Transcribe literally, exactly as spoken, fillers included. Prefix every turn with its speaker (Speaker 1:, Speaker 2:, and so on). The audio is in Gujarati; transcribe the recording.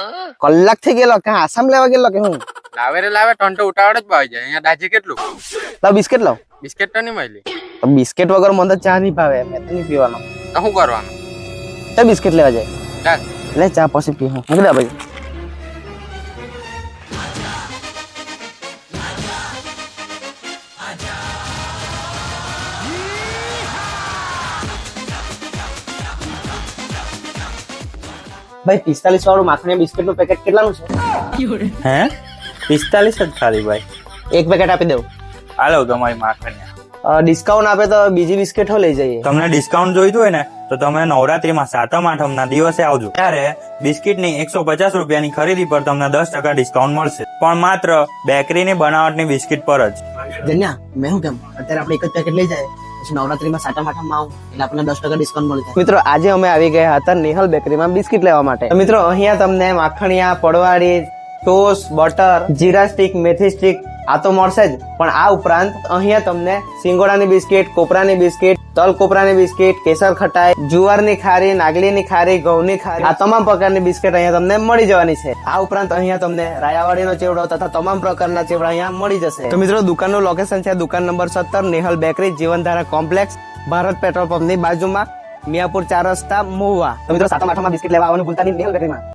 Speaker 1: કલાક થી ગયેલો કે આસામ લેવા ગયેલો કે હું
Speaker 2: લાવે રે લાવે ટોન તો ઉતાવળ જ ભાઈ જાય અહીંયા દાજી કેટલું
Speaker 1: લાવ બિસ્કિટ લાવ
Speaker 2: બિસ્કિટ તો નહીં મળી
Speaker 1: તો બિસ્કિટ વગર મને તો ચા નહીં ભાવે મેં તો નહીં પીવાનો
Speaker 2: તો શું કરવાનું
Speaker 1: તો બિસ્કિટ લેવા જાય
Speaker 2: ચાલ
Speaker 1: લે ચા પછી પી હું મૂકી દે ભાઈ ભાઈ પિસ્તાલીસ વાળું માખણી બિસ્કિટ નું પેકેટ કેટલાનું છે
Speaker 3: હે પિસ્તાલીસ જ ખાલી ભાઈ
Speaker 1: એક પેકેટ આપી દઉં
Speaker 3: હાલો તમારી માખણિયા
Speaker 1: ડિસ્કાઉન્ટ આપે તો બીજી બિસ્કિટો લઈ જઈએ
Speaker 3: તમને ડિસ્કાઉન્ટ જોઈતું હોય ને તો તમે નવરાત્રીમાં સાતમ આઠમ ના દિવસે આવજો ત્યારે બિસ્કિટની એકસો પચાસ રૂપિયાની ખરીદી પર તમને દસ ટકા ડિસ્કાઉન્ટ મળશે પણ માત્ર બેકરીની બનાવટની બિસ્કિટ પર જ
Speaker 1: જન્યા મેં શું કેમ અત્યારે આપણે એક જ પેકેટ લઈ જાય પછી નવરાત્રીમાં સાટા માઠામાં આવું એટલે આપણને દસ ટકા ડિસ્કાઉન્ટ મળી જાય મિત્રો આજે અમે આવી ગયા હતા નિહલ બેકરીમાં બિસ્કિટ લેવા માટે તો મિત્રો અહીંયા તમને માખણિયા પડવાળી ટોસ્ટ બટર જીરા સ્ટીક મેથી સ્ટીક આ તો મળશે જ પણ આ ઉપરાંત અહીંયા તમને સિંગોડાની બિસ્કિટ કોપરાની બિસ્કિટ તલ કોપરાની બિસ્કિટ કેસર ખટાઈ જુવારની ખારી નાગલીની ખારી ઘઉંની ખારી આ તમામ પ્રકારની બિસ્કિટ અહીંયા તમને મળી જવાની છે આ ઉપરાંત અહીંયા તમને રાયાવાડીનો ચેવડો તથા તમામ પ્રકારના ચેવડા અહીંયા મળી જશે તો મિત્રો દુકાનનું લોકેશન છે દુકાન નંબર સત્તર Nihal bakery Jivandhara complex Bharat petrol પંપની બાજુમાં મિયાપુર ચાર રસ્તા મહુવા તો મિત્રો સાતમ આઠમમાં બિસ્કિટ લેવા આવવાનું ભૂલતા નહીં નિહલ બેકરીમાં.